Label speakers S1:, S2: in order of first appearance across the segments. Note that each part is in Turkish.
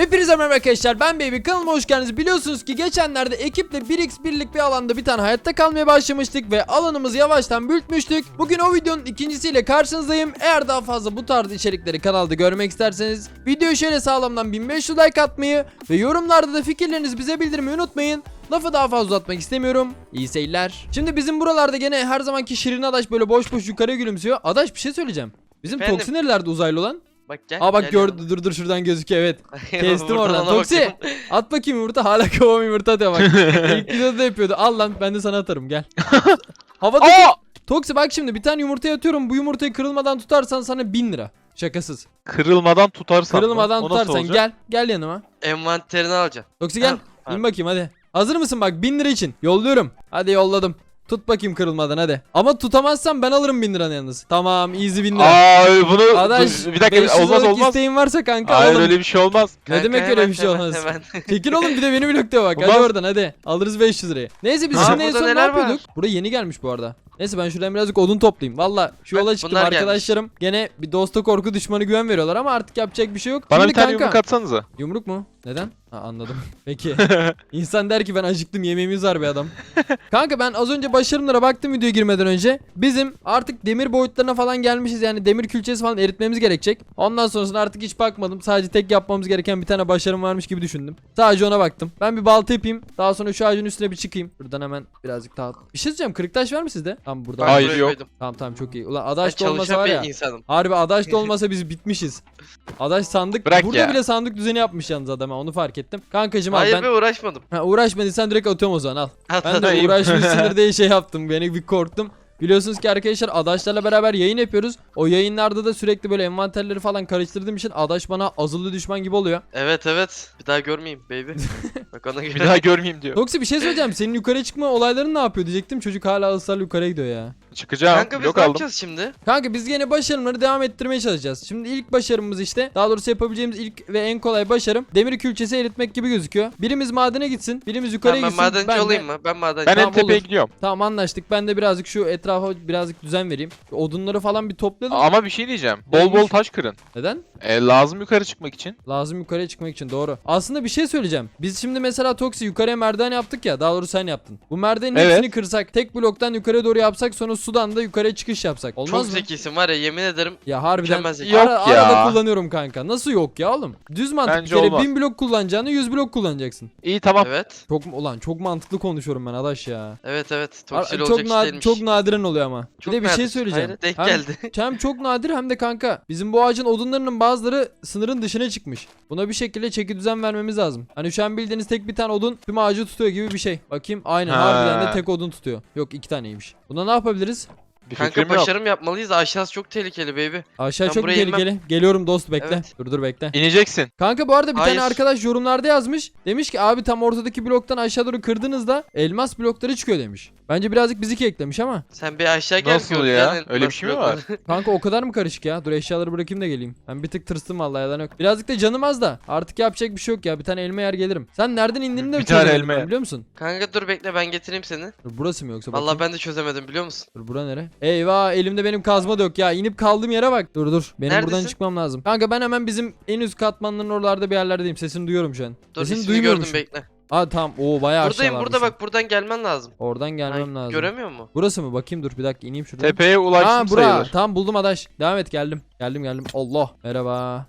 S1: Hepinize merhaba arkadaşlar, ben Baby, kanalıma hoş geldiniz. Biliyorsunuz ki geçenlerde ekiple 1x1'lik bir alanda bir tane hayatta kalmaya başlamıştık ve alanımızı yavaştan büyütmüştük. Bugün o videonun ikincisiyle karşınızdayım. Eğer daha fazla bu tarz içerikleri kanalda görmek isterseniz videoyu şöyle sağlamdan 1500 like atmayı ve yorumlarda da fikirlerinizi bize bildirmeyi unutmayın. Lafı daha fazla uzatmak istemiyorum. İyi seyirler. Şimdi bizim buralarda gene her zamanki Şirin Adaş böyle boş boş yukarıya gülümsüyor. Adaş, bir şey söyleyeceğim. Bizim
S2: Efendim?
S1: Toksi nerelerde, uzaylı olan?
S2: Bak gel.
S1: Aa bak,
S2: gel
S1: gördü, dur şuradan gözüküyor, evet. Kestim
S2: Buradan
S1: oradan.
S2: ona
S1: Toksi
S2: bakıyorum.
S1: at bakayım yumurta, hala kovam yumurta atıyor bak. İlk videoda da yapıyordu. Al lan, ben de sana atarım, gel. Havada Toksi bak, şimdi bir tane yumurtaya atıyorum. Bu yumurtayı kırılmadan tutarsan sana 1000 lira. Şakasız.
S3: Kırılmadan tutarsan
S1: Kırılmadan
S3: mı? O nasıl
S1: tutarsan
S3: olacak?
S1: gel yanıma.
S2: Envanterini alacaksın.
S1: Toksi gel.
S2: Ha.
S1: İn bakayım hadi. Hazır mısın, bak 1000 lira için yolluyorum. Hadi yolladım. Tut bakayım kırılmadan hadi. Ama tutamazsan ben alırım 1000 liranı yalnız. Tamam, easy 1000 lira.
S3: Ay bunu
S1: Adaş,
S3: bir dakika,
S1: 500
S3: olmaz
S1: liralık
S3: olmaz.
S1: isteğin varsa kanka
S3: Hayır,
S1: alalım.
S3: öyle bir şey olmaz.
S1: Ne
S2: Kanka,
S1: demek öyle
S2: hemen,
S1: bir şey
S2: hemen,
S1: olmaz?
S2: hemen.
S1: Çekil oğlum, bir de beni blokta bak. Hadi
S3: Olmaz.
S1: oradan hadi. Alırız 500 lirayı. Neyse biz
S2: Ha,
S1: şimdi en
S2: burada
S1: son ne
S2: neler var?
S1: yapıyorduk? Buraya yeni gelmiş bu arada. Neyse ben şuradan birazcık odun toplayayım. Valla şu
S2: Bak,
S1: yola çıktım,
S2: bunlar gelmiş.
S1: arkadaşlarım. Gene bir dosta korku düşmanı güven veriyorlar ama artık yapacak bir şey yok.
S3: Bana
S1: Şimdi
S3: bir tane
S1: kanka,
S3: yumruk atsanıza.
S1: yumruk mu? Neden? Ha, anladım. Peki. İnsan der ki ben acıktım, yemeğimiz var be adam. Kanka ben az önce başarımlara baktım videoya girmeden önce. Bizim artık demir boyutlarına falan gelmişiz, yani demir külçesi falan eritmemiz gerekecek. Ondan sonrasında artık hiç bakmadım. Sadece tek yapmamız gereken bir tane başarım varmış gibi düşündüm. Sadece ona baktım. Ben bir balta yapayım. Daha sonra şu ağacın üstüne bir çıkayım. Buradan hemen birazcık daha. Bir şey söyleyeceğim. Kırık taş var mı sizde? Tamam, burada.
S2: Ben
S3: Hayır,
S2: buraya
S3: yok.
S2: koydum.
S1: Tamam çok iyi. Ulan
S2: Ben
S1: adaş da olmasa
S2: çalışan
S1: var
S2: bir
S1: ya.
S2: insanım.
S1: Harbi adaş da olmasa biz bitmişiz. Adaş sandık.
S3: Bırak
S1: Burada
S3: ya.
S1: bile sandık düzeni yapmış yalnız adam, ha, onu fark ettim. Kankacım al
S2: Hayır
S1: ben.
S2: be, uğraşmadım.
S1: Ha, uğraşmadıysan direkt atıyorum o zaman, al. Ben de
S3: Atayım.
S1: uğraşmışsındır diye şey yaptım. Beni bir korktum. Biliyorsunuz ki arkadaşlar adaşlarla beraber yayın yapıyoruz. O yayınlarda da sürekli böyle envanterleri falan karıştırdığım için adaş bana azılı düşman gibi oluyor.
S2: Evet. Bir daha görmeyeyim baby. Bak ona göre.
S3: Bir daha görmeyeyim diyor.
S1: Toksi bir şey söyleyeceğim. Senin yukarı çıkma olayların ne yapıyor diyecektim. Çocuk hala ısrarla yukarıya gidiyor ya.
S3: Çıkacağım.
S2: Kanka biz
S3: Blok
S2: ne
S3: aldım.
S2: yapacağız şimdi?
S1: Kanka biz yine başarımları devam ettirmeye çalışacağız. Şimdi ilk başarımız işte, daha doğrusu yapabileceğimiz ilk ve en kolay başarım demir külçesi eritmek gibi gözüküyor. Birimiz madene gitsin, birimiz yukarıya
S2: Tamam, ben
S1: gitsin.
S2: madenci
S1: de-
S2: olayım mı? Ben madenci.
S3: Ben en
S1: Tamam,
S3: tepeye
S1: olur.
S3: gidiyorum.
S1: Tamam, anlaştık. Ben de birazcık şu etrafa birazcık düzen vereyim. Şu odunları falan bir toplayalım.
S3: Ama bir şey diyeceğim. Bol
S1: Neymiş?
S3: bol taş kırın.
S1: Neden?
S3: Lazım yukarı çıkmak için.
S1: Lazım yukarıya çıkmak için, doğru. Aslında bir şey söyleyeceğim. Biz şimdi mesela Toksi yukarıya merdiven yaptık ya. Daha doğrusu sen yaptın. Bu merdivenin
S3: Evet.
S1: hepsini kırsak, tek bloktan yukarıya doğru yapsak, sonra sudan da yukarıya çıkış yapsak. Olmaz
S2: Çok
S1: mı?
S2: zekisin var ya, yemin ederim.
S1: Ya harbiden
S2: Mükemmel zeki.
S3: Yok ya.
S1: arada kullanıyorum kanka. Nasıl yok ya oğlum? Düz mantık,
S3: Bence
S1: bir kere
S3: olmaz.
S1: 1000 blok kullanacağını 100 blok kullanacaksın.
S3: İyi, tamam.
S2: Evet.
S1: Çok mantıklı konuşuyorum ben adaş ya.
S2: Evet. Toksil
S1: Çok
S2: olacak iş değilmiş.
S1: çok nadiren oluyor ama.
S2: Çok
S1: bir de bir şey
S2: nadir.
S1: söyleyeceğim.
S2: Hayır, denk
S1: Hem-
S2: geldi.
S1: Hem çok nadir hem de kanka bizim bu ağacın odunlarının bazıları sınırın dışına çıkmış. Buna bir şekilde çeki düzen vermemiz lazım. Hani şu an bildiğiniz tek bir tane odun tüm ağacı tutuyor gibi bir şey. Bakayım, aynen
S3: Ha.
S1: harbiden de tek odun tutuyor. Yok, 2 taneymiş. Buna ne yapabiliriz?
S3: Bir
S2: Kanka
S3: fikrim yok.
S2: başarım yapmalıyız. Aşağısı çok tehlikeli baby.
S1: Aşağı
S2: Ben
S1: çok
S2: buraya inmem.
S1: tehlikeli. Geliyorum dost, bekle.
S2: Evet.
S1: Dur bekle.
S3: İneceksin.
S1: Kanka bu arada bir
S2: Hayır.
S1: tane arkadaş yorumlarda yazmış. Demiş ki abi tam ortadaki bloktan aşağı doğru kırdığınızda elmas blokları çıkıyor demiş. Bence birazcık bizi eklemiş ama.
S2: Sen bir aşağı gel.
S3: Nasıl
S2: gör,
S3: ya?
S2: gel,
S3: Öyle bir
S2: nasıl
S3: şey mi
S2: yok
S3: var?
S2: lan?
S1: Kanka o kadar mı karışık ya? Dur eşyaları bırakayım da geleyim. Ben bir tık tırstım vallahi, yalan yok. Birazcık da canım az da. Artık yapacak bir şey yok ya. Bir tane elma yer gelirim. Sen nereden indiğini de
S3: Bir tane
S1: çözemedim
S3: elma
S1: ben,
S3: yer.
S1: biliyor musun?
S2: Kanka dur bekle, ben getireyim seni.
S1: Dur, burası mı yoksa?
S2: Vallahi
S1: Bakayım.
S2: ben de çözemedim, biliyor musun?
S1: Dur, bura nere? Eyvah, elimde benim kazma da yok ya. İnip kaldığım yere bak. Dur. Benim buradan
S2: Neredesin?
S1: çıkmam lazım. Kanka ben hemen bizim en üst katmanların oralarda bir yerlerdeyim. Sesini duyuyorum şu an.
S2: Dur,
S1: Sesini
S2: ismini gördüm,
S1: duymuyormuşum.
S2: bekle.
S1: Aa tamam. Oo bayağı
S2: Buradayım, burada
S1: aşağılardasın.
S2: bak, buradan gelmen lazım.
S1: Oradan gelmem
S2: Ay,
S1: lazım.
S2: göremiyor mu?
S1: Burası mı? Bakayım, dur bir dakika ineyim şuradan.
S3: Tepeye ulaştım
S1: Bura.
S3: sayılır.
S1: Tamam buldum adaş. Devam et, geldim. Geldim. Allah. Merhaba.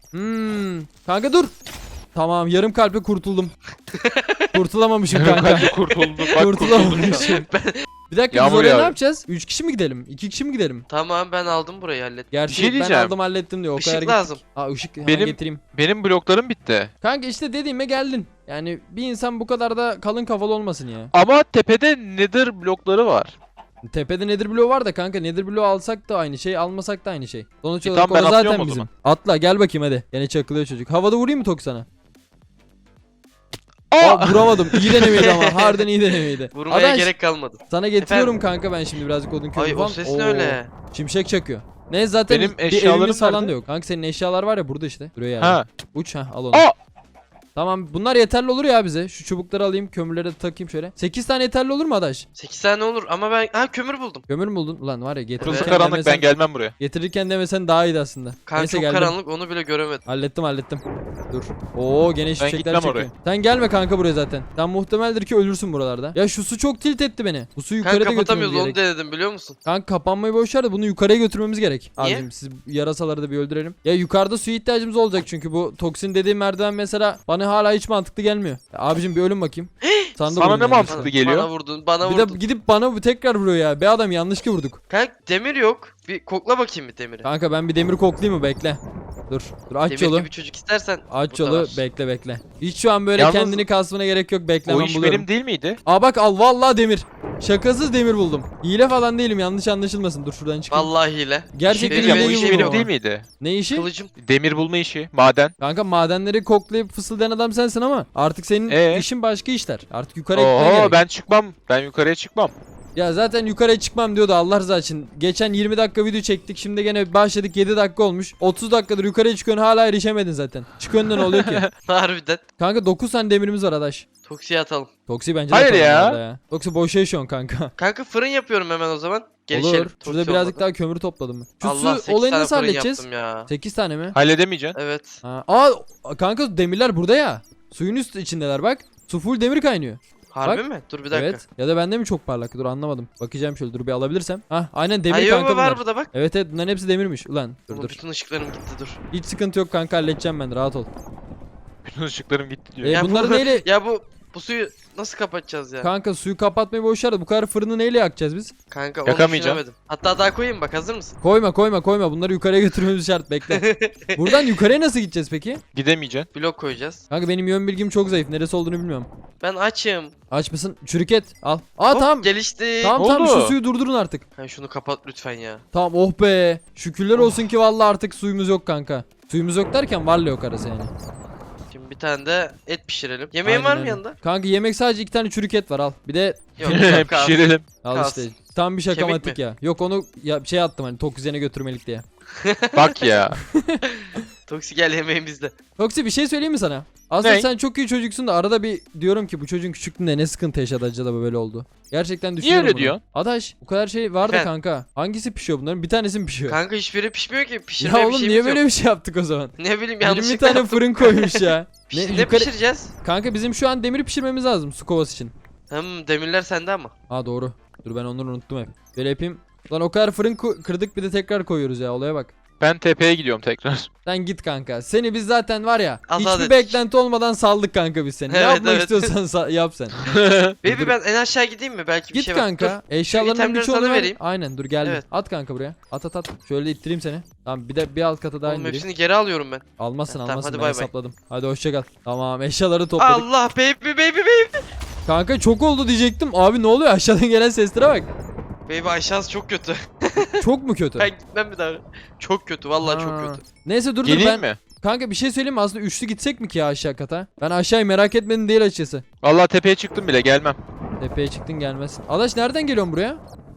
S1: Kanka dur. Tamam, yarım kalple kurtuldum. Kurtulamamışım kanka.
S3: Kanka kurtulduk. Bak kurtulduk.
S1: Kurtulamamışım. Bir dakika, biz
S3: Yağmur
S1: oraya ne
S3: yağıyor.
S1: yapacağız? 3 kişi mi gidelim? 2 kişi mi gidelim?
S2: Tamam, ben aldım burayı, hallettim.
S1: Gerçi
S3: şey
S1: ben
S3: diyeceğim.
S1: aldım hallettim diyor. O kadar
S2: Işık
S1: gittik.
S2: lazım.
S1: Aa ışık hemen
S3: Benim-
S1: getireyim.
S3: Benim bloklarım bitti.
S1: Kanka işte dediğime geldin. Yani bir insan bu kadar da kalın kafalı olmasın ya.
S3: Ama tepede nether blokları var.
S1: Tepede nether bloğu var da kanka, nether bloğu alsak da aynı şey, almasak da aynı şey. Sonuç olarak
S3: tamam, ben
S1: o zaten
S3: atlıyorum o
S1: bizim.
S3: zaman.
S1: Atla gel bakayım hadi. Yine çakılıyor çocuk. Havada vurayım mı Tok sana?
S3: Aa!
S1: Aa, vuramadım. İyi denemeydi ama. Harbiden iyi denemeydi.
S2: Vurmaya
S1: Adaş,
S2: gerek kalmadı.
S1: sana getiriyorum kanka ben şimdi birazcık odun kömür
S2: Ay,
S1: falan.
S2: o ses ne
S1: Oo,
S2: öyle?
S1: Şimşek çakıyor. Ne zaten
S3: Benim
S1: bir
S3: eşyalarım
S1: evimiz falan
S3: nerede?
S1: da yok. Kanka senin eşyalar var ya burada işte. Duruyor yani.
S3: Ha.
S1: Uç ha, al onu.
S3: Aa!
S1: Tamam bunlar yeterli olur ya bize. Şu çubukları alayım, kömürleri de takayım şöyle. 8 tane yeterli olur mu Adaş?
S2: 8 tane olur ama ben kömür buldum.
S1: Kömür mü buldun? Ulan var ya
S3: Burası
S1: getirirken
S3: karanlık,
S1: demesen,
S3: ben gelmem buraya.
S1: getirirken demesen daha iyiydi aslında.
S2: Kanka
S1: Neyse
S2: çok
S1: geldim.
S2: karanlık, onu bile göremedim.
S1: Hallettim. Dur. Oo gene şimşekler
S3: gitmem
S1: çekiyor.
S3: oraya.
S1: Sen gelme kanka buraya zaten. Sen muhtemeldir ki ölürsün buralarda. Ya şu su çok tilt etti beni. Bu suyu
S2: Kanka
S1: yukarıda götürmemiz
S2: kapatamıyoruz,
S1: gerek.
S2: onu denedim biliyor musun?
S1: Kanka kapanmayı boş ver de bunu yukarıya götürmemiz gerek.
S2: Niye?
S1: Abicim siz yarasaları da bir öldürelim. Ya yukarıda suya ihtiyacımız olacak çünkü bu toksin dediğim merdiven mesela bana hala hiç mantıklı gelmiyor. Ya abicim bir ölüm bakayım. Sana da
S3: Sana
S1: vurayım
S3: ne
S1: yani.
S3: mantıklı geliyor?
S2: Bana vurdun, bana
S1: Bir
S2: vurdun.
S1: de gidip bana bu tekrar vuruyor ya. Be adam yanlış ki vurduk.
S2: Kanka demir yok. Bir kokla bakayım bir demiri.
S1: Kanka ben bir demir koklayayım mı? Bekle. Dur aç
S2: Demir
S1: yolu.
S2: gibi çocuk istersen.
S1: Aç
S2: burada
S1: yolu
S2: var.
S1: bekle. Hiç şu an böyle
S3: Yalnız
S1: kendini kasmana gerek yok, bekle
S3: O
S1: ben
S3: iş
S1: buluyorum.
S3: benim değil miydi?
S1: Aa bak al vallahi demir. Şakasız demir buldum. Hile falan değilim, yanlış anlaşılmasın. Dur şuradan çıkayım.
S2: Vallahi hile.
S1: Gerçekten
S3: Şey diyeceğim,
S1: hile
S3: o
S1: gibi
S3: iş
S1: buldum
S3: benim
S1: ama.
S3: değil miydi?
S1: Ne işi?
S2: Kılıcım.
S3: Demir bulma işi, maden.
S1: Kanka madenleri koklayıp fısıldayan adam sensin ama artık senin işin başka işler. Artık yukarıya gitmen
S3: Oo
S1: gerek.
S3: ben çıkmam. Ben yukarıya çıkmam.
S1: Ya zaten yukarıya çıkmam diyordu Allah rızası için. Geçen 20 dakika video çektik. Şimdi gene başladık 7 dakika olmuş. 30 dakikadır yukarıya çıkıyorsun hala erişemedin zaten. Çıkıyorsun da ne oluyor ki?
S2: Harbiden.
S1: Kanka 9 tane demirimiz var adaş.
S2: Toksiye atalım.
S1: Toksi bence de
S3: Hayır
S1: atalım
S3: ya.
S1: bu arada ya. Toksi boşa yaşıyorsun kanka.
S2: Kanka fırın yapıyorum hemen o zaman. Gelişelim.
S1: Olur. Şurada
S2: Toksi
S1: birazcık
S2: olmadı.
S1: daha kömür topladım mı? Şu
S2: Allah,
S1: su
S2: 8
S1: olayını
S2: tane
S1: nasıl
S2: fırın
S1: halledeceğiz?
S2: yaptım ya.
S1: 8 tane mi?
S3: Halledemeyeceksin.
S2: Evet.
S1: Ha. Kanka demirler burada ya. Suyun üst içindeler bak. Su full demir kaynıyor.
S2: Harbi
S1: Bak.
S2: mi? Dur bir dakika.
S1: Evet. Ya da bende mi çok parlak? Dur anlamadım. Bakacağım şöyle dur bir alabilirsem. Hah aynen demir
S2: Hayır
S1: kanka
S2: var
S1: bunlar.
S2: burada bak.
S1: Evet bunların hepsi demirmiş. Ulan dur
S2: Oğlum
S1: dur.
S2: bütün ışıklarım gitti dur.
S1: Hiç sıkıntı yok kanka halledeceğim ben rahat ol.
S3: Bütün ışıklarım gitti diyor.
S1: Ya bunları neyle...
S2: Ya bu suyu nasıl kapatacağız ya?
S1: Kanka suyu kapatmayı boş ver de bu kadar fırını neyle yakacağız biz?
S2: Kanka onu
S3: Yakamayacağım.
S2: düşünemedim. Hatta daha koyayım bak, hazır mısın?
S1: Koyma bunları yukarıya götürmemiz şart bekle. Buradan yukarıya nasıl gideceğiz peki?
S3: Gidemeyeceksin.
S2: Blok koyacağız.
S1: Kanka benim yön bilgim çok zayıf neresi olduğunu bilmiyorum.
S2: Ben açım.
S1: Aç mısın? Çürük et al. Aa
S2: Hop,
S1: tamam.
S2: gelişti.
S1: Tamam
S3: Oldu.
S1: şu suyu durdurun artık.
S2: Kanka şunu kapat lütfen ya.
S1: Tamam oh be. Şükürler olsun ki vallahi artık suyumuz yok kanka. Suyumuz yok derken varla yok arası yani.
S2: Şimdi bir tane de et pişirelim. Yemeğin
S1: Aynen
S2: var mı
S1: öyle.
S2: yanında?
S1: Kanka yemek sadece 2 tane çürük et var al. Bir de
S2: Yok. yok abi.
S3: Pişirelim.
S1: al
S2: Kalsın.
S1: işte. Tam bir
S2: Kemik
S1: şakamatik
S2: mi?
S1: ya. Yok onu şey attım hani tok üzerine götürmelik diye.
S3: Bak ya.
S2: Toksi gel, yemeğin bizde.
S1: Toksi bir şey söyleyeyim mi sana? Aslında
S3: Ne?
S1: sen çok iyi çocuksun da arada bir diyorum ki bu çocuğun küçüklüğünde ne sıkıntı yaşadı acaba böyle oldu. Gerçekten düşünüyorum
S3: öyle
S1: bunu.
S3: diyorsun?
S1: Adaş bu kadar şey var da
S2: Efendim?
S1: kanka. Hangisi pişiyor bunların? Bir tanesi mi pişiyor?
S2: Kanka hiçbiri pişmiyor ki.
S1: Ya
S2: Pişirmeye bir
S1: oğlum
S2: şeyimiz
S1: niye
S2: yok.
S1: böyle bir şey yaptık o zaman?
S2: Ne bileyim
S1: 20
S2: yanlışlıkla
S1: tane
S2: yaptım.
S1: fırın koymuş ya.
S2: Ne pişireceğiz?
S1: Kanka bizim şu an demiri pişirmemiz lazım su kovası için.
S2: Demirler sende ama.
S1: Ha doğru. Dur ben onları unuttum hep. Böyle yapayım. Lan o kadar fırın kırdık bir de tekrar koyuyoruz ya olaya bak.
S3: Ben tepeye gidiyorum tekrar.
S1: Sen git kanka. Seni biz zaten var ya
S2: Azat
S1: hiçbir
S2: ettik.
S1: beklenti olmadan saldık kanka biz seni. Ne
S2: Evet,
S1: yapmak
S2: evet.
S1: istiyorsan yap sen.
S2: Baby
S1: Dur.
S2: ben en aşağı gideyim mi? Belki bir
S1: Git
S2: şey var.
S1: kanka.
S2: Dur.
S1: Eşyalarının
S2: itemleri
S1: birçoğunu
S2: sana
S1: ver.
S2: vereyim.
S1: Aynen dur geldim.
S2: Evet.
S1: At kanka buraya. At. Şöyle ittireyim seni. Tamam bir de bir alt kata daha
S2: Oğlum
S1: indireyim.
S2: hepsini geri alıyorum ben.
S1: Almazsın
S2: Tamam,
S1: almazsın
S2: hadi
S1: ben
S2: bay bay.
S1: hesapladım. Hadi hoşça kal. Tamam eşyaları topladık.
S2: Allah baby.
S1: Kanka çok oldu diyecektim. Abi ne oluyor aşağıdan gelen seslere bak.
S2: Baby aşağısı çok kötü.
S1: Çok mu kötü?
S2: Ben gitmem bir daha. Çok kötü, vallahi çok
S1: Ha.
S2: kötü.
S1: Neyse dur
S3: Geleyim
S1: ben.
S3: mi?
S1: Kanka bir şey söyleyeyim mi? Aslında üçlü gitsek mi ki ya aşağı kata? Ben aşağıyı merak etmedim değil açıkçası.
S3: Vallahi tepeye çıktım bile, gelmem.
S1: Tepeye çıktın gelmezsin. Adaş nereden geliyorsun buraya?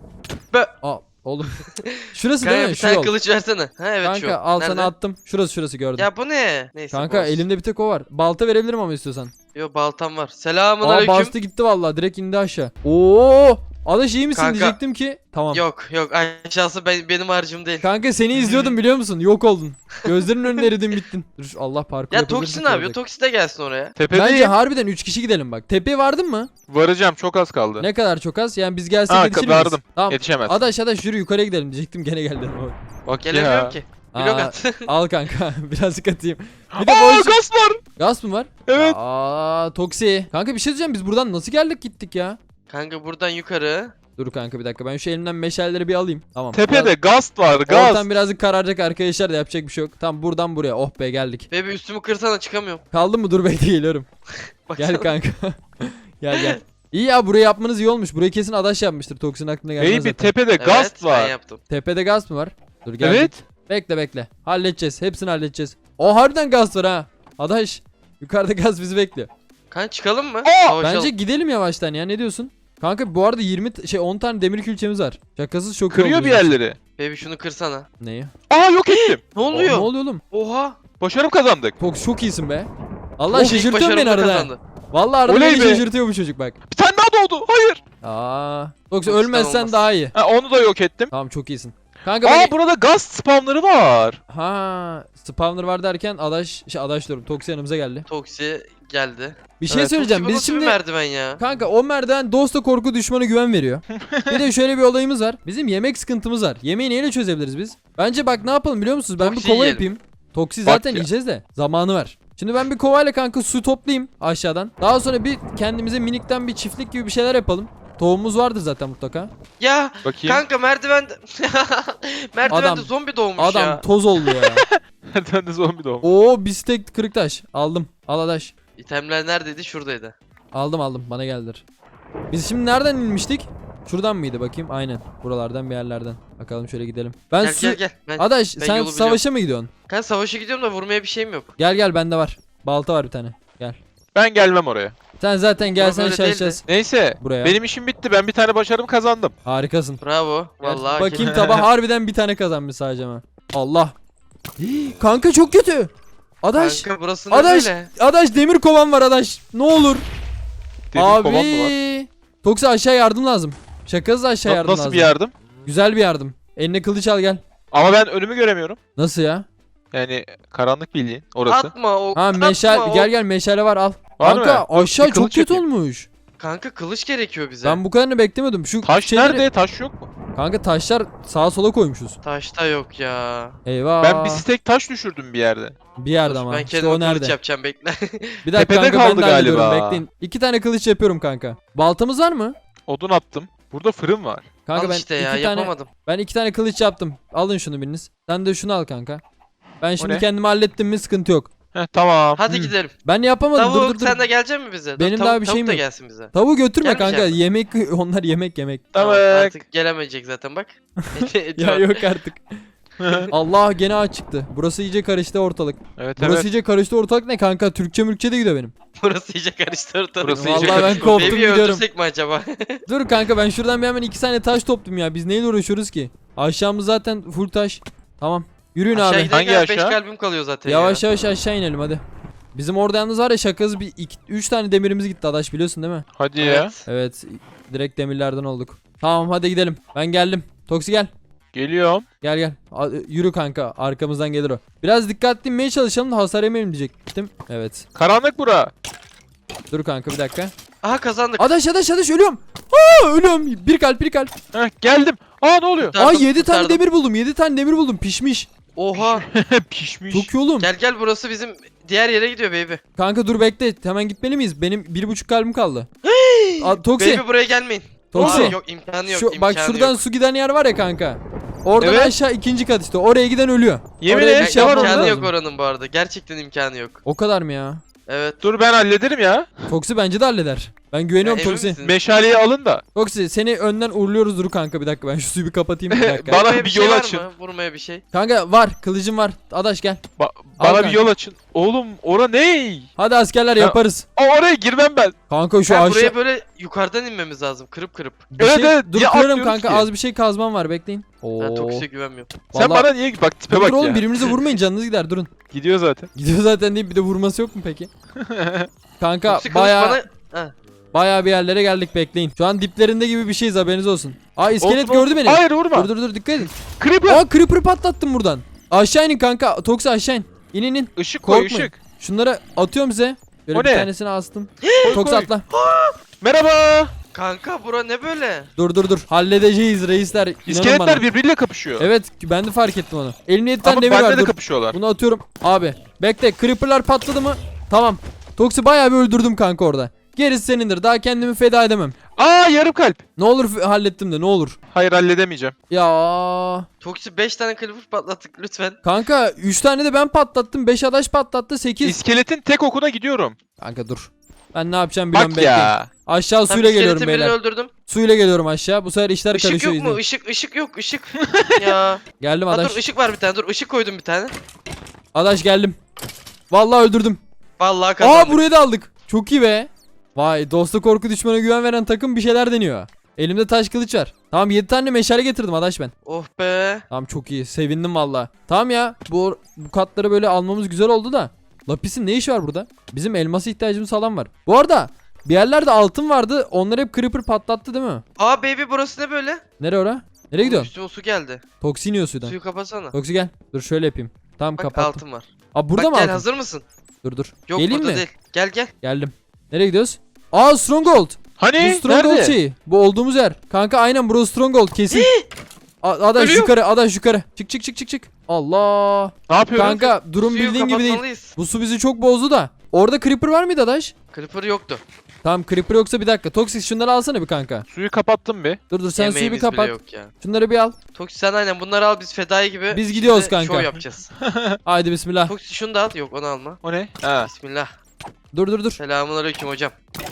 S2: Be-
S1: Aa oğlum. Şurası değil
S2: Kanka
S1: mi?
S2: bir
S1: Şu
S2: tane
S1: yol.
S2: kılıç versene. Ha evet şu.
S1: Kanka al
S2: Nerede?
S1: sana attım. Şurası gördüm.
S2: Ya bu ne? Neyse.
S1: Kanka
S2: bu olsun.
S1: elimde bir tek o var. Balta verebilirim ama istiyorsan.
S2: Yo baltam var. Selamun
S1: Aa
S2: aleyküm.
S1: bastı gitti vallahi direkt indi aşağı. Oo! Adaş iyi misin
S2: Kanka-
S1: diyecektim ki. Tamam.
S2: Yok aşağısı benim harcım değil.
S1: Kanka seni izliyordum biliyor musun? Yok oldun. Gözlerinin önüne eridin bittin. Dur Allah parkur
S2: Ya
S1: yapabilirsin
S2: Toksi ne yapıyor?
S1: olacak.
S2: Toksi de gelsin oraya.
S3: Tepedeyim.
S1: Bence harbiden 3 kişi gidelim bak. Tepeye vardın mı?
S3: Varacağım, çok az kaldı.
S1: Ne kadar çok az? Yani biz gelsek
S3: Ha,
S1: yetişir miyiz?
S3: vardım.
S1: Tamam.
S3: Yetişemez.
S1: Adaş yürü yukarıya gidelim diyecektim gene geldim.
S3: Bak
S2: Gelemiyorum
S3: ya.
S2: ki. Blok
S1: Aa,
S2: at.
S1: al kanka birazcık atayım. Bir de
S3: Aa,
S1: boş...
S3: gaz var.
S1: Gaz mı var?
S3: Evet.
S1: Aa Toksi. Kanka bir şey diyeceğim biz buradan nasıl geldik gittik ya?
S2: Kanka buradan yukarı.
S1: Dur kanka bir dakika ben şu elimden meşaleleri bir alayım. Tamam.
S3: Tepede gaz var, gaz.
S1: Ortam birazcık kararacak arkadaşlar da yapacak bir şey yok. Tamam buradan buraya oh be geldik.
S2: Baby üstümü kırsana, çıkamıyorum.
S1: Kaldın mı? Dur bekle geliyorum.
S2: Baksana.
S1: Gel kanka. Gel. İyi ya burayı yapmanız iyi olmuş. Burayı kesin Adaş yapmıştır. Toksin aklına gelmez
S3: Baby
S1: zaten.
S3: tepede
S2: Evet
S3: gaz
S2: ben
S3: var.
S2: yaptım.
S1: Tepede gaz mı var? Dur geldik.
S3: Evet.
S1: Bekle. Halledeceğiz. Hepsini halledeceğiz. O harbiden gaz var ha. Adaş. Yukarıda gaz bizi bekliyor.
S2: Kanka çıkalım mı?
S3: Aa!
S2: Savaşalım.
S1: Bence gidelim yavaştan ya. Ne diyorsun? Kanka bu arada 10 tane demir külçemiz var. Şakasız çok iyi
S3: Kırıyor
S1: oldu
S3: bir
S1: bizim için.
S3: yerleri.
S2: Baby şunu kırsana.
S1: Neyi?
S3: Aa, yok ettim.
S2: Ne
S1: Ne
S2: oluyor?
S1: oluyor oğlum?
S2: Oha.
S3: Başarım kazandık.
S1: Toks çok iyisin be. Allah
S2: Oh, ilk
S1: şaşırtıyor beni
S2: başarımla
S1: arada.
S2: kazandı.
S1: Vallahi arada
S3: Oley
S1: beni
S3: be.
S1: şaşırtıyor bu çocuk bak.
S3: Bir tane daha doğdu. Hayır.
S1: Yoksa
S2: Çok
S1: ölmezsen
S2: olmaz.
S1: daha iyi.
S3: Ha, onu da yok ettim.
S1: Tamam çok iyisin. Kanka ben...
S3: Burada gaz spamları var.
S1: Ha, spawner var derken adaş diyorum. Toksi yanımıza geldi.
S2: Toksi geldi.
S1: Bir şey
S3: Evet,
S1: söyleyeceğim.
S2: Toksi bu
S1: Biz
S2: nasıl bir
S1: şimdi
S2: merdiven ya?
S1: kanka o merdiven dosta korku düşmana güven veriyor. Bir de şöyle bir olayımız var. Bizim yemek sıkıntımız var. Yemeği neyle çözebiliriz biz? Bence bak ne yapalım biliyor musunuz? Ben bir
S2: Toksi
S1: kova
S2: yiyelim.
S1: yapayım. Toksi
S3: Bak
S1: zaten
S3: ya.
S1: yiyeceğiz de zamanı var. Şimdi ben bir kovayla kanka su toplayayım aşağıdan. Daha sonra bir kendimize minikten bir çiftlik gibi bir şeyler yapalım. Tohumumuz vardır zaten mutlaka.
S2: Ya
S3: Bakayım.
S2: kanka merdivende merdivende
S1: Adam-
S2: zombi doğmuş
S1: Adam
S2: ya.
S1: toz oldu ya.
S3: Nereden de zombi doğum.
S1: Oo bistek kırık taş. Aldım. Al adaş.
S2: İtemler neredeydi? Şuradaydı.
S1: Aldım bana geldiler. Biz şimdi nereden inmiştik? Şuradan mıydı bakayım? Aynen. Buralardan bir yerlerden. Bakalım şöyle gidelim. Ben
S2: Gel
S1: su...
S2: gel gel. Ben
S1: Adaş
S2: ben
S1: sen
S2: yolu
S1: savaşa mı gidiyorsun?
S2: kanka savaşa gidiyorum da vurmaya bir şeyim yok.
S1: Gel bende var. Balta var bir tane. Gel.
S3: Ben gelmem oraya.
S1: Sen zaten gelsen
S2: böyle değildi.
S1: şaşacağız.
S3: Neyse.
S1: Buraya.
S3: Benim işim bitti. Ben bir tane başarım kazandım.
S1: Harikasın.
S2: Bravo. Vallahi
S1: Bakayım tabağa harbiden bir tane kazanmış sadece ama. Allah. Kanka çok kötü. Adaş.
S2: Kanka burası ne
S1: Adaş.
S2: böyle?
S1: Adaş demir kovan var adaş. Ne olur.
S3: Demir kovan mı var?
S1: Abi. Toksa aşağı yardım lazım. Şakasız aşağı yardım
S3: Nasıl
S1: lazım.
S3: bir yardım?
S1: Güzel bir yardım. Eline kılıç al gel.
S3: Ama ben önümü göremiyorum.
S1: Nasıl ya?
S3: Yani karanlık bildiğin orası.
S2: Atma o.
S1: Ha
S2: atma
S1: meşale
S2: o.
S1: gel meşale var al.
S3: Var
S1: Kanka
S3: mı?
S1: aşağı
S3: Bir
S1: çok
S3: kılıç
S1: kötü
S3: yapayım.
S1: olmuş.
S2: Kanka kılıç gerekiyor bize.
S1: Ben bu kadarını beklemiyordum. Şu
S3: Taş
S1: şeyleri-
S3: nerede? Taş yok mu?
S1: Kanka taşlar sağa sola koymuşuz.
S2: Taşta yok ya.
S1: Eyvah.
S3: Ben bir stek taş düşürdüm bir yerde.
S1: Bir yerde
S2: Dur,
S1: ama.
S2: ben
S1: İşte
S2: kendime
S1: o
S2: kılıç
S1: nerede?
S2: yapacağım bekle.
S1: Bir dakika
S3: Tepede
S1: kanka ben
S3: kaldı
S1: de hallediyorum
S3: galiba.
S1: bekleyin. 2 tane kılıç yapıyorum kanka. Baltamız var mı?
S3: Odun attım. Burada fırın var.
S1: Kanka
S2: Al
S1: ben
S2: işte ya
S1: iki tane
S2: yapamadım.
S1: ben 2 tane kılıç yaptım. Alın şunu biriniz. Sen de şunu al kanka. Ben şimdi
S3: ne?
S1: kendimi hallettim mi sıkıntı yok.
S3: Heh, tamam.
S2: Hadi
S1: Hı.
S2: gidelim.
S1: Ben yapamadım.
S2: Tavuk
S1: Dur.
S2: sen de gelecek misin bize?
S1: Benim
S2: tavuk,
S1: daha bir
S2: tavuk
S1: şeyim
S2: da
S1: yok.
S2: gelsin bize.
S1: Tavuğu götürme
S2: Gelmeyecek
S1: kanka.
S2: mi?
S1: Yemek onlar yemek.
S2: Tamam,
S3: Tamam.
S2: artık gelemeyecek zaten bak.
S1: Ya yok artık. Allah gene aç çıktı. Burası iyice karıştı ortalık.
S3: Evet
S1: Burası
S3: evet.
S1: iyice karıştı ortalık ne kanka? Türkçe mülkçe de gidiyor benim.
S2: Burası iyice karıştı ortalık.
S3: Burası iyice
S1: Vallahi ben
S3: karıştı.
S1: koptum
S2: Baby'yi
S1: gidiyorum.
S2: öldürsek mi acaba?
S1: Dur kanka ben şuradan bir hemen 2 tane taş toplayayım ya. Biz neyle uğraşıyoruz ki? Aşağımız zaten full taş. Tamam. Yürüyün
S2: Aşağı
S1: abi.
S2: gidelim
S3: Hangi
S2: ya 5
S3: aşağı?
S2: kalbim kalıyor zaten
S1: Yavaş
S2: ya.
S1: yavaş aşağı inelim hadi. Bizim orada yalnız var ya şakası 3 tane demirimiz gitti adaş biliyorsun değil mi?
S3: Hadi ya.
S2: Evet.
S1: Evet direkt demirlerden olduk. Tamam hadi gidelim. Ben geldim. Toksi gel.
S3: Geliyorum.
S1: Gel. Yürü kanka arkamızdan gelir o. Biraz dikkatli inmeye çalışalım da hasar yemeyelim diyecektim. Evet.
S3: Karanlık bura.
S1: Dur kanka bir dakika.
S2: Aha kazandık.
S1: Adaş ölüyorum. Ölüyorum. Bir kalp.
S3: Heh, geldim. Ne oluyor?
S2: Kurtardım,
S1: 7 tane
S2: kurtardım.
S1: demir buldum. 7 tane demir buldum. Pişmiş.
S2: Oha.
S3: Pişmiş.
S1: Çok iyi oğlum.
S2: Gel burası bizim diğer yere gidiyor baby.
S1: Kanka dur bekle. Hemen gitmeli miyiz? Benim 1,5 kalbim kaldı. Toksi.
S2: Baby buraya gelmeyin.
S1: Toksi.
S2: Aa, yok imkanı yok.
S1: Bak
S2: imkanı
S1: şuradan
S2: yok.
S1: su giden yer var ya kanka. Oradan
S3: Evet.
S1: aşağı 2. kat işte. Oraya giden ölüyor.
S3: Yemin
S1: Oraya
S3: ederim
S1: bir şey
S3: var
S1: yapmamız
S2: İmkanı
S1: lazım.
S2: yok oranın bu arada. Gerçekten imkanı yok.
S1: O kadar mı ya?
S2: Evet.
S3: Dur ben hallederim ya.
S1: Toksi bence de halleder. Ben güveniyorum
S2: Ya, emin
S1: Toksi.
S2: misin?
S3: Meşaleyi alın da.
S1: Toksi seni önden uğurluyoruz dur kanka bir dakika ben şu suyu bir kapatayım bir dakika.
S3: Bana
S2: Vurmaya
S3: bir
S2: şey
S3: yol
S2: var
S3: açın.
S2: mı? Vurmaya bir şey.
S1: Kanka var kılıcım var. Adaş gel. Al
S3: Bana bir
S1: kanka.
S3: yol açın. Oğlum ora ne?
S1: Hadi askerler
S3: Ya-
S1: yaparız.
S3: Oraya girmem ben.
S1: Kanka şu
S2: Ha,
S1: aşağı.
S2: buraya böyle yukarıdan inmemiz lazım. Kırıp.
S1: Bir
S3: Evet,
S1: şey...
S3: evet.
S1: Dur
S3: Ya
S1: kırarım
S3: atlıyoruz
S1: kanka
S3: ki.
S1: az bir şey kazmam var bekleyin. Oo.
S2: Ben Toksi'ye güvenmiyorum.
S3: Sen
S1: Vallahi-
S3: bana niye bak tipe
S1: Dur
S3: bak
S1: oğlum
S3: ya.
S1: birbirinize vurmayın canınız gider durun.
S3: Gidiyor zaten.
S1: Gidiyor zaten deyip bir de vurması yok mu peki? Kanka
S2: Toksi kılıç
S1: baya
S2: bana... Ha.
S1: bir yerlere geldik bekleyin. Şu an diplerinde gibi bir şeyiz haberiniz olsun. Aa iskelet
S3: Olsun,
S1: gördü beni.
S3: Hayır vurma.
S1: Dur dikkat edin.
S3: Creeper.
S1: Aa creeper patlattım buradan. Aşağı inin kanka. Toksi aşağı in. İn.
S3: Işık koy
S1: Korkmayın.
S3: ışık.
S1: Şunları atıyorum size. Böyle
S3: O
S1: bir
S3: ne?
S1: tanesini astım.
S3: Koy,
S1: Toksi
S3: koy.
S1: atla.
S3: Merhaba.
S2: Kanka bura ne böyle?
S1: Dur. Halledeceğiz reisler. İnanın
S3: İskeletler
S1: bana.
S3: birbiriyle kapışıyor.
S1: Evet ben de fark ettim onu. Elimde 7 tane
S3: Ama
S1: demir
S3: bende
S1: var
S3: de
S1: dur.
S3: kapışıyorlar.
S1: Bunu atıyorum. Abi bekle creeperlar patladı mı? Tamam. Toksi bayağı bir öldürdüm kanka orada. Gerisi senindir. Daha kendimi feda edemem.
S3: Yarım kalp.
S1: Ne olur hallettim de ne olur.
S3: Hayır halledemeyeceğim.
S1: Ya
S2: Toksi 5 tane creeper patlattık lütfen.
S1: kanka 3 tane de ben patlattım. 5 adaş patlattı 8.
S3: İskeletin tek okuna gidiyorum.
S1: Kanka dur. Ben ne yapacağım biliyorum
S3: Bak
S1: bekleyin.
S3: ya.
S1: Aşağı
S2: Tam
S1: suyla geliyorum
S2: iskeletin birini
S1: beyler.
S2: öldürdüm.
S1: Suyla geliyorum aşağı. Bu sefer işler
S2: Işık
S1: karışıyor
S2: yok mu?
S1: izleyin.
S2: Işık yok. Işık. Ya.
S1: Geldim
S2: Ha,
S1: adaş.
S2: dur ışık var bir tane. Dur ışık koydum bir tane.
S1: Adaş geldim. Vallahi öldürdüm.
S2: Vallahi kazandık.
S1: Burayı da aldık. Çok iyi be. Vay dosta korku düşmana güven veren takım bir şeyler deniyor. Elimde taş kılıç var. Tamam 7 tane meşale getirdim adaş ben.
S2: Oh be.
S1: Tamam çok iyi. Sevindim valla. Tamam ya. Bu katları böyle almamız güzel oldu da. Lapis'in ne işi var burada? Bizim elması ihtiyacımız falan var. Bu arada bir yerlerde altın vardı. Onları hep creeper patlattı değil mi?
S2: Aa baby burası ne böyle?
S1: Nereye ora? Nereye gidiyorsun?
S2: Üstüme su geldi.
S1: Toksi iniyor sudan.
S2: Suyu kapatsana.
S1: Toksi gel. Dur şöyle yapayım. Tamam
S2: Bak
S1: kapattım.
S2: altın var.
S1: Aa burada
S2: Bak
S1: mı
S2: gel
S1: altın?
S2: hazır mısın?
S1: Dur.
S2: Yok
S1: Geleyim
S2: burada
S1: mi?
S2: değil. Gel gel.
S1: Geldim. Nereye gidiyoruz? Aa Stronghold. Bu
S3: Hani?
S1: Stronghold
S3: Nerede?
S1: şeyi. Bu olduğumuz yer. Kanka aynen burası Stronghold kesin. Adaş
S2: Ölüyor.
S1: yukarı, Adaş yukarı. Çık. Allah.
S3: Ne yapıyoruz?
S1: Kanka durum
S2: Suyu
S1: bildiğin gibi değil.
S2: kapatmalıyız.
S1: Bu su bizi çok bozdu da. Orada creeper var mıydı Adaş?
S2: Creeper yoktu.
S1: Tamam creeper yoksa bir dakika. Toxic şunları alsana bir kanka.
S3: Suyu kapattım bir.
S1: Dur sen suyu bir
S2: Yemeğimiz bile
S1: kapat.
S2: yok ya.
S1: Şunları bir al.
S2: Toksi sen aynen bunları al biz fedai gibi.
S1: Biz gidiyoruz
S2: şimdi
S1: kanka.
S2: Şov yapacağız.
S1: Haydi bismillah.
S2: Toksi şunu da al. Yok onu alma.
S3: O ne? Ha.
S2: Bismillah.
S1: Dur.
S2: Selamünaleyküm hocam.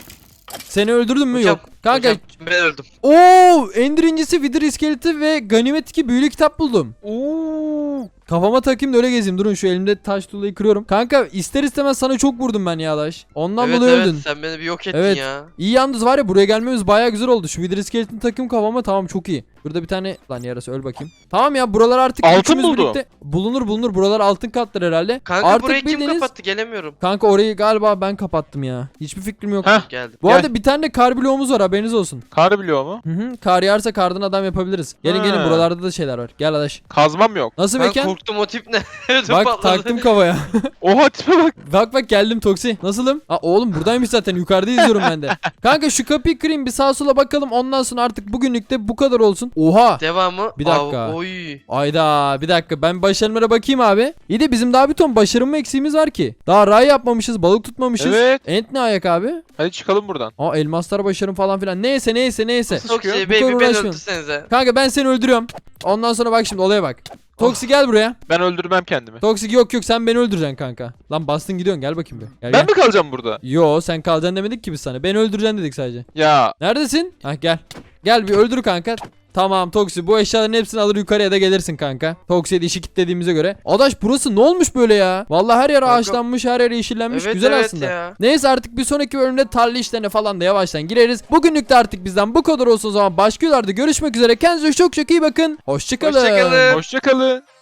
S1: Seni öldürdün mü?
S2: Hocam,
S1: Yok. Kanka.
S2: Hocam, ben öldüm.
S1: Oo, Ender incisi, Wither iskeleti ve ganimet 2 büyülü kitap buldum.
S3: Oo.
S1: Kafama takayım da öyle gezeyim. Durun şu elimde taş tuğlayı kırıyorum. Kanka ister istemez sana çok vurdum ben ya Adaş. Ondan
S2: Evet
S1: dolayı
S2: evet
S1: öldün.
S2: sen beni bir yok ettin
S1: Evet.
S2: ya.
S1: İyi yalnız var ya, buraya gelmemiz baya güzel oldu. Şu Wither iskeletini takayım kafama, tamam çok iyi. Burada bir tane lan yarası, öl bakayım. Tamam ya, buralar artık
S3: Altın
S1: üçümüz
S3: buldu.
S1: birlikte bulunur. Buralar altın katlar herhalde.
S2: Kanka
S1: artık
S2: burayı kim
S1: bildiğiniz-
S2: kapattı gelemiyorum.
S1: Kanka orayı galiba ben kapattım ya. Hiçbir fikrim yok.
S3: Heh.
S2: Geldim.
S1: Bu
S3: Gel.
S1: arada bir tane de kar bloğumuz var, haberiniz olsun.
S3: Kar biliyor mu?
S1: Hı, kar yağarsa kardan adam yapabiliriz. Gelin
S3: Ha.
S1: buralarda da şeyler var. Gel Adaş.
S3: Kazmam yok.
S1: Nasıl
S2: Ben
S1: mekan?
S2: korktum o tip ne? Ödüm
S1: Bak
S2: patladı.
S1: taktım kafaya.
S3: Oha tipe bak.
S1: bak geldim Toksi. Nasılım? Aa oğlum buradaymış zaten, yukarıda izliyorum ben de. Kanka şu kapıyı kırayım, bir sağa sola bakalım, ondan sonra artık bugünlük de bu kadar olsun. Oha.
S2: Devamı.
S1: Bir dakika.
S2: Oy.
S1: Ayda bir dakika, ben başarımlara bakayım abi. İyi de bizim daha bir ton başarım mı eksiğimiz var ki? Daha ray yapmamışız, balık tutmamışız.
S3: Evet.
S1: Ent ne ayak abi?
S3: Hadi çıkalım buradan.
S1: Aa elmaslar başarım falan filan. Neyse.
S3: Nasıl
S2: Toksi
S3: çıkıyor?
S2: baby
S1: kadar
S2: beni
S1: uğraşmayalım.
S2: öldürsenize.
S1: Kanka ben seni öldürüyorum. Ondan sonra bak şimdi olaya bak. Toksi gel buraya.
S3: Ben öldürmem kendimi.
S1: Toksi yok sen beni öldüreceksin kanka. Lan bastın gidiyorsun, gel bakayım bir. Gel.
S3: Ben mi kalacağım burada?
S1: Yo sen kalacaksın demedik ki biz sana. Beni öldüreceksin dedik sadece.
S3: Ya.
S1: Neredesin? Hah gel. Gel bir öldür kanka. Tamam Toksi, bu eşyaların hepsini alır yukarıya da gelirsin kanka. Toksi'ye de işi kilitlediğimize göre. Adaş burası ne olmuş böyle ya? Vallahi her yer
S2: Kanka-
S1: ağaçlanmış, her yer yeşillenmiş.
S2: Evet,
S1: Güzel
S2: evet
S1: aslında.
S2: ya.
S1: Neyse artık bir sonraki bölümde tarla işlerine falan da yavaştan gireriz. Bugünlük de artık bizden bu kadar olsun o zaman. Başka videolarda görüşmek üzere. Kendinize çok iyi bakın. Hoşçakalın.
S2: Hoşça kalın.
S3: Hoşça kalın.